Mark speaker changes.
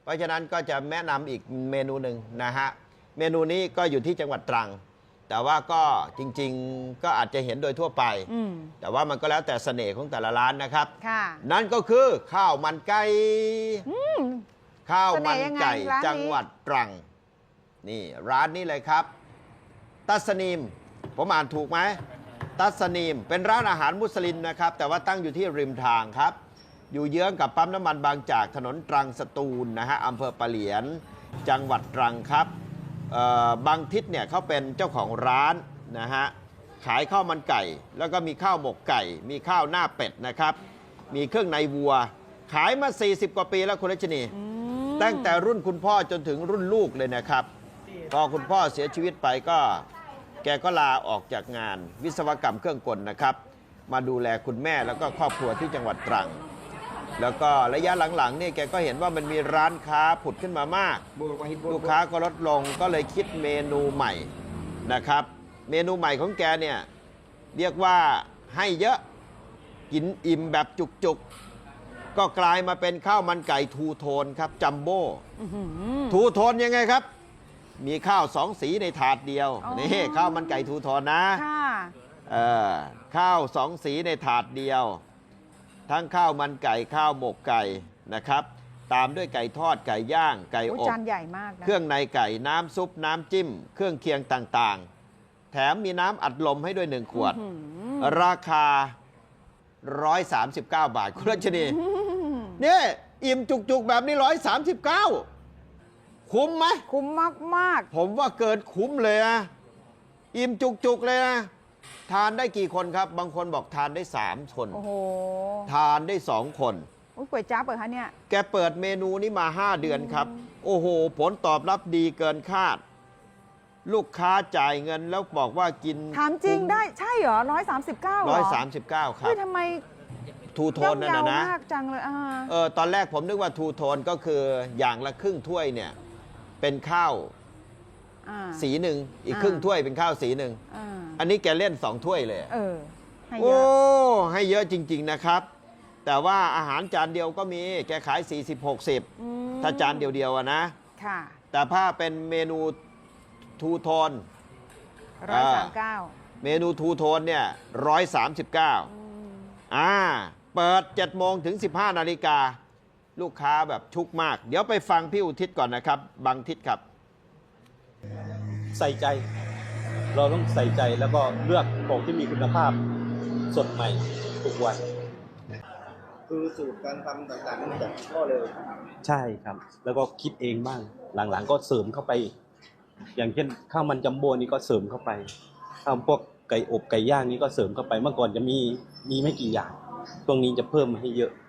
Speaker 1: เพราะฉะนั้นก็จะแนะนำอีกเมนูหนึ่งนะฮะเมนูนี้ก็อยู่ที่จังหวัดตรังแต่ว่าก็จริงๆก็อาจจะเห็นโดยทั่วไปแต่ว่ามันก็แล้วแต่เสน่ห์ของแต่ละร้านนะครับนั่นก็คือข้าวมันไก่ข้าวมันไก่จังหวัดตรังนี่ร้านนี้เลยครับตัสนีมผมอ่านถูกไหมตัสนีมเป็นร้านอาหารมุสลิมนะครับแต่ว่าตั้งอยู่ที่ริมทางครับอยู่เยื้องกับปั๊มน้ำมันบางจากถนนตรังสตูลนะฮะอำเภอปะเหลียนจังหวัดตรังครับบางทิศเนี่ยเขาเป็นเจ้าของร้านนะฮะขายข้าวมันไก่แล้วก็มีข้าวหมกไก่มีข้าวหน้าเป็ดนะครับมีเครื่องในวัวขายมา40 กว่าปีแล้วคุณรัชนีตั้งแต่รุ่นคุณพ่อจนถึงรุ่นลูกเลยนะครับพอคุณพ่อเสียชีวิตไปก็แกก็ลาออกจากงานวิศวกรรมเครื่องกลนะครับมาดูแลคุณแม่แล้วก็ครอบครัวที่จังหวัดตรังแล้วก็ระยะหลังๆนี่แกก็เห็นว่ามันมีร้านค้าผุดขึ้นมามากลูกค้าก็ลดลงก็เลยคิดเมนูใหม่นะครับเมนูใหม่ของแกเนี่ยเรียกว่าให้เยอะกินอิ่มแบบจุกๆก็กลายมาเป็นข้าวมันไก่ทูโทนครับจัมโบ้ทูโทนยังไงครับมีข้าว2 สีในถาดเดียวนี่ข้าวมันไก่ทูโทนนะข้าว2 สีในถาดเดียวทั้งข้าวมันไก่ข้าวหมกไก่นะครับตามด้วยไก่ทอดไก่ย่างไก่อบ
Speaker 2: จานใหญ่มากนะ
Speaker 1: เครื่องในไก่น้ำซุปน้ำจิ้มเครื่องเคียงต่างๆแถมมีน้ำอัดลมให้ด้วย1 ขวดราคา139 บาทคุณรัชนีเนี่ยอิ่มจุกๆแบบนี้139คุ้มไหม
Speaker 2: คุ้มมาก
Speaker 1: ผมว่าเกินคุ้มเลยนะอิ่มจุกๆเลยนะทานได้กี่คนครับบางคนบอกทานได้3 คนทานได้2 คน
Speaker 2: ก๋วยจั๊บเหรอคะเนี่ย
Speaker 1: แกเปิดเมนูนี้มา5 เดือนครับโอ้โหผลตอบรับดีเกินคาดลูกค้าจ่ายเงินแล้วบอกว่ากิน
Speaker 2: ถามจริงได้ใช่เหรอ139เหรอ
Speaker 1: 139ครับ
Speaker 2: ทำไม
Speaker 1: ทูโทนนั่นนะ
Speaker 2: มากจังเลย
Speaker 1: ตอนแรกผมนึกว่าทูโทนก็คืออย่างละครึ่งถ้วยเนี่ยเป็นข้าวสีหนึ่งอีกครึ่งถ้วยเป็นข้าวสีหนึ่งอันนี้แกเล่น2 ถ้วยเลย
Speaker 2: ให้เยอะ
Speaker 1: ให้เยอะจริงๆนะครับแต่ว่าอาหารจานเดียวก็มีแกขาย40-60ถ้าจานเดียวๆนะแต่ถ้าเป็นเมนูทูโทน
Speaker 2: 139
Speaker 1: เมนูทูโทนเนี่ย139เปิด7 โมงถึง 15 นาฬิกาลูกค้าแบบชุกมากเดี๋ยวไปฟังพี่อุทิศก่อนนะครับบางทิศครับ
Speaker 3: ใส่ใจเราต้องใส่ใจแล้วก็เลือกของที่มีคุณภาพสดใหม่ทุกวัน
Speaker 4: คือสูตรการทำต่างๆนี่จากพ่อเลย
Speaker 3: ใช่ครับแล้วก็คิดเองบ้างหลังๆก็เสริมเข้าไปอย่างเช่นข้าวมันจัมโบ้นี่ก็เสริมเข้าไปข้าวพวกไก่อบไก่ย่างนี่ก็เสริมเข้าไปเมื่อก่อนจะมีไม่กี่อย่างตรงนี้จะเพิ่มให้เยอะ